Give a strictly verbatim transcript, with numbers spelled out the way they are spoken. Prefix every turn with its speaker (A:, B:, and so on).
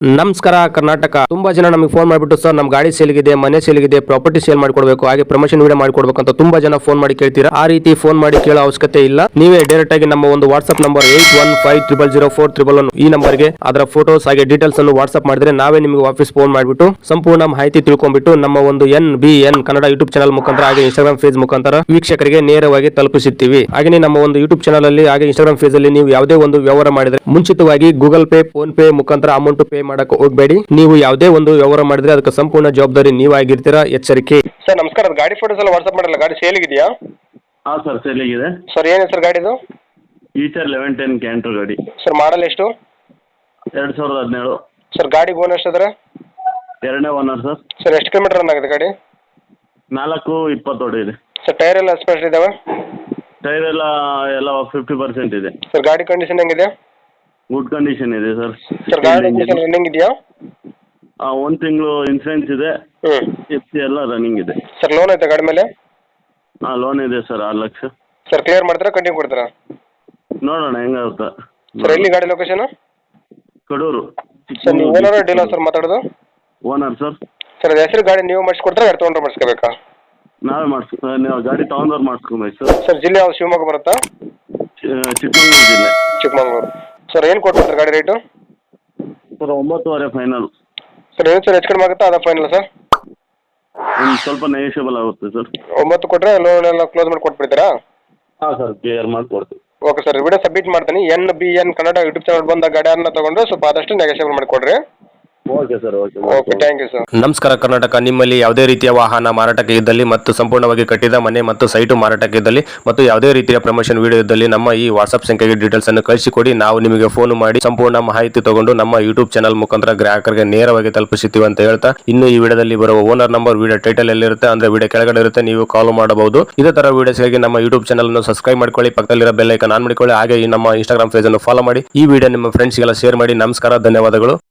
A: ನಮಸ್ಕಾರ ಕರ್ನಾಟಕ. ತುಂಬಾ ಜನ ನಮಗೆ ಫೋನ್ ಮಾಡಿಬಿಟ್ಟು ಸರ್ ನಮ್ಮ ಗಾಡಿ ಸೇಲ್ಗಿದೆ, ಮನೆ ಸೇಲ್ಗಿದೆ, ಪ್ರಾಪರ್ಟಿ ಸೇಲ್ ಮಾಡ್ಕೊಡ್ಬೇಕು, ಹಾಗೆ ಪ್ರಮೋಷನ್ ವಿಡಿಯೋ ಮಾಡ್ಕೊಡ್ಬೇಕು ಅಂತ ತುಂಬಾ ಜನ ಫೋನ್ ಮಾಡಿ ಕೇಳ್ತೀರಾ. ಆ ರೀತಿ ಫೋನ್ ಮಾಡಿ ಕೇಳೋ ಅವಶ್ಯಕತೆ ಇಲ್ಲ. ನೀವೇ ಡೈರೆಕ್ಟ್ ಆಗಿ ನಮ್ಮ ಒಂದು WhatsApp number eight one five triple zero four triple one ಈ ನಂಬರ್ಗೆ ಅದರ ಫೋಟೋಸ್ ಹಾಗೆ ಡೀಟೇಲ್ಸ್ ಅನ್ನು ವಾಟ್ಸ್ಆಪ್ ಮಾಡಿದ್ರೆ ನಾವೇ ನಿಮಗೆ ವಾಪಸ್ ಫೋನ್ ಮಾಡಿಬಿಟ್ಟು ಸಂಪೂರ್ಣ ಮಾಹಿತಿ ತಿಳ್ಕೊಂಡ್ಬಿಟ್ಟು ನಮ್ಮ ಒಂದು N B N Kannada YouTube channel ಮುಖಾಂತರ ಹಾಗೆ ಇನ್ಸ್ಟಾಗ್ರಾಮ್ ಫೇಸ್ ಮುಖಾಂತರ ವೀಕ್ಷಕರಿಗೆ ನೇರವಾಗಿ ತಲುಪಿಸುತ್ತೀವಿ. ಹಾಗೆ ನಮ್ಮ ಒಂದು ಯೂಟ್ಯೂಬ್ ಚಾನಲ್ ಅಲ್ಲಿ ಹಾಗೆ ಇನ್ಸ್ಟಾಗ್ರಾಮ್ ಫೇಸ್ ಅಲ್ಲಿ ನೀವು ಯಾವುದೇ ಒಂದು ವ್ಯವಹಾರ ಮಾಡಿದ್ರೆ ಮುಂಚಿತವಾಗಿ ಗೂಗಲ್ ಪೇ, ಫೋನ್ ಪೇ ಮುಖಾಂತರ ಅಮೌಂಟ್ ಪೇ ಮಾಡಕ್ಕೆ ಹೋಗಬೇಡಿ. ನೀವು ಯಾವುದೇ ಒಂದು ವ್ಯವಹಾರ ಮಾಡಿದ್ರೆ ಅದಕ್ಕೆ ಸಂಪೂರ್ಣ ಜವಾಬ್ದಾರಿ ನೀವಾಗಿರ್ತೀರಾ. ಎಚ್ಚರಿಕೆ. ಸರ್ ನಮಸ್ಕಾರ, ಗಾಡಿ ಫೋಟೋಸ್ ಎಲ್ಲ ವಾಟ್ಸ್ಆಪ್ ಮಾಡಲ್ಲ, ಗಾಡಿ ಸೇಲ್ ಇದೆಯಾ?
B: ಹಾಂ ಸರ್, ಸೇಲಿಗಿದೆ
A: ಸರ್. ಏನು ಸರ್ ಗಾಡಿದು?
B: ಈಚರ್ ಲೆವೆನ್ ಟೆನ್ ಕ್ಯಾಂಟ್ರ್ ಗಾಡಿ
A: ಸರ್. ಮಾಡಲ್ ಎಷ್ಟು?
B: ಎರಡು ಸಾವಿರದ ಹದಿನೇಳು
A: ಸರ್. ಗಾಡಿ ಓನರ್ ಎಷ್ಟಿದ್ರೆ?
B: ಎರಡನೇ ಓನರ್ ಸರ್.
A: ಸರ್ ಎಷ್ಟು ಕಿಲೋಮೀಟರ್ ರನ್ ಆಗಿದೆ ಗಾಡಿ?
B: ನಾಲ್ಕು ಇಪ್ಪತ್ತು ಹೊಡಿದೆ
A: ಸರ್. ಟೈರ್ ಎಲ್ಲ ಸ್ಪೆಷಲ್ ಇದಾವೆ?
B: ಟೈರ್ ಎಲ್ಲ ಎಲ್ಲ ಫಿಫ್ಟಿ ಪರ್ಸೆಂಟ್ ಇದೆ
A: ಸರ್. ಗಾಡಿ ಕಂಡೀಷನ್ ಹೆಂಗಿದೆ?
B: ಗುಡ್ ಕಂಡೀಷನ್ ಇದೆ ಸರ್.
A: ಸರ್ ಗಾಡಿ ರನ್ನಿಂಗ್ ಇದೆಯಾ?
B: ಒಂದು ತಿಂಗಳು ಇನ್ಸೂರೆನ್ಸ್ ಇದೆ,
A: ಹ್ಞೂ.
B: ಎಫ್ ಸಿ ಎಲ್ಲ ರನ್ನಿಂಗ್ ಇದೆ
A: ಸರ್. ಲೋನ್ ಐತೆ ಗಾಡಿ ಮೇಲೆ?
B: ಹಾಂ, ಲೋನ್ ಇದೆ ಸರ್, ಆರು ಲಕ್ಷ.
A: ಸರ್ ಕ್ಲಿಯರ್ ಮಾಡ್ತೀರಾ, ಕಂಟಿನ್ಯೂ ಕೊಡ್ತೀರಾ?
B: ನೋಡೋಣ ಹೆಂಗಾಗುತ್ತೆ.
A: ಸರ್ ಎಲ್ಲಿ ಗಾಡಿ ಲೊಕೇಶನ್?
B: ಕಡೂರು.
A: ಸರ್ ನೀವು ಓನರ್ ಡೀಲರ್ ಸರ್ ಮಾತಾಡೋದು?
B: Owner sir.
A: ಸರ್ ಅದು ಹೆಸರು ಗಾಡಿ ನೀವು ಮಾಡಿಸ್ಕೊಡ್ತಾರೆ, ಗಾಡಿ ತೊಗೊಂಡ್ರೆ ಮಾಡಿಸ್ಕೋಬೇಕಾ?
B: ನಾವೇ ಮಾಡಿಸ್ಕೊ ನೀವು ಗಾಡಿ ತೊಗೊಂಡವ್ರು ಮಾಡಿಸ್ಕೊಬೇಕು ಸರ್.
A: ಸರ್ ಜಿಲ್ಲೆ ಯಾವ್ದು? ಶಿವಮೊಗ್ಗ ಬರುತ್ತಾ?
B: ಚಿಕ್ಕಮಗಳೂರು ಜಿಲ್ಲೆ.
A: ಚಿಕ್ಕಮಗಳೂರು. ಸರ್ ಏನು ಕೊಡ್ತಾರೆ ಗಾಡಿ ರೇಟು?
B: ಸರ್ ಒಂಬತ್ತುವರೆ ಫೈನಲ್.
A: ಸರ್ ಏನು ಸರ್ ಹೆಚ್ಚು ಕಡಿಮೆ ಆಗುತ್ತಾ ಅದ ಫೈನಲ್ ಸರ್?
B: ಒಂದು ಸ್ವಲ್ಪ ನೆಗೋಷಿಯಬಲ್ ಆಗುತ್ತೆ ಸರ್.
A: ಒಂಬತ್ತು ಕೊಟ್ಟರೆ ಲೋನ್ ಎಲ್ಲ ಕ್ಲೋಸ್ ಮಾಡಿ ಕೊಟ್ಬಿಡ್ತೀರಾ?
B: ಹಾಂ ಸರ್, ಕ್ಲಿಯರ್ ಮಾಡಿಕೊಡ್ತೀವಿ.
A: ಓಕೆ ಸರ್, ವಿಡಿಯೋ ಸಬ್ಮಿಟ್ ಮಾಡ್ತೀನಿ. N B N Kannada YouTube channel ಬಂದ ಗಾಡಿಯನ್ನು ತಗೊಂಡ್ರೆ ಸ್ವಲ್ಪ ಆದಷ್ಟು ನೆಗೋಷಿಯಬಲ್ ಮಾಡಿಕೊಡ್ರಿ.
B: Okay sir. Okay
A: okay, thank you sir. ನಮಸ್ಕಾರ ಕರ್ನಾಟಕ. ನಿಮ್ಮಲ್ಲಿ ಯಾವುದೇ ರೀತಿಯ ವಾಹನ ಮಾರಾಟಕ್ಕೆ ಇದ್ದಲ್ಲಿ ಮತ್ತು ಸಂಪೂರ್ಣವಾಗಿ ಕಟ್ಟಿದ ಮನೆ ಮತ್ತು ಸೈಟು ಮಾರಾಟಕ್ಕೆ ಇದ್ದಲ್ಲಿ ಮತ್ತು ಯಾವುದೇ ರೀತಿಯ ಪ್ರಮೋಷನ್ ವಿಡಿಯೋ ಇದ್ದಲ್ಲಿ ನಮ್ಮ ಈ ವಾಟ್ಸ್ಆಪ್ ಸಂಖ್ಯೆಗೆ ಡೀಟೇಲ್ಸ್ ಅನ್ನು ಕಳಿಸಿಕೊಡಿ. ನಾವು ನಿಮಗೆ ಫೋನ್ ಮಾಡಿ ಸಂಪೂರ್ಣ ಮಾಹಿತಿ ತಗೊಂಡು ನಮ್ಮ ಯೂಟ್ಯೂಬ್ ಚಾನಲ್ ಮುಖಾಂತರ ಗ್ರಾಹಕರಿಗೆ ನೇರವಾಗಿ ತಲುಪಿಸುತ್ತೀವಿ ಅಂತ ಹೇಳ್ತಾ, ಇನ್ನು ಈ ವಿಡಿಯೋದಲ್ಲಿ ಬರುವ ಓನರ್ ನಂಬರ್ ವಿಡಿಯೋ ಟೈಟಲ್ ಎಲ್ಲಿರುತ್ತೆ ಅಂದ್ರೆ ವಿಡಿಯೋ ಕೆಳಗಡೆ ಇರುತ್ತೆ, ನೀವು ಕಾಲ್ ಮಾಡಬಹುದು. ಇದೇ ತರ ವಿಡಿಯೋಸ್ಗಾಗಿ ನಮ್ಮ ಯೂಟ್ಯೂಬ್ ಚಾನಲ್ ಅನ್ನು ಸಬ್ಸ್ಕ್ರೈಬ್ ಮಾಡ್ಕೊಳ್ಳಿ, ಪಕ್ಕದಲ್ಲಿರೋ ಬೆಲ್ ಐಕಾನ್ ಆನ್ ಮಾಡಿಕೊಳ್ಳಿ, ಹಾಗೆ ಈ ನಮ್ಮ ಇನ್ಸ್ಟಾಗ್ರಾಮ್ ಪೇಜ್ ಅನ್ನು ಫಾಲೋ ಮಾಡಿ. ಈ ವಿಡಿಯೋ ನಿಮ್ಮ ಫ್ರೆಂಡ್ಸ್ಗೆಲ್ಲ ಶೇರ್ ಮಾಡಿ. ನಮಸ್ಕಾರ, ಧನ್ಯವಾದಗಳು.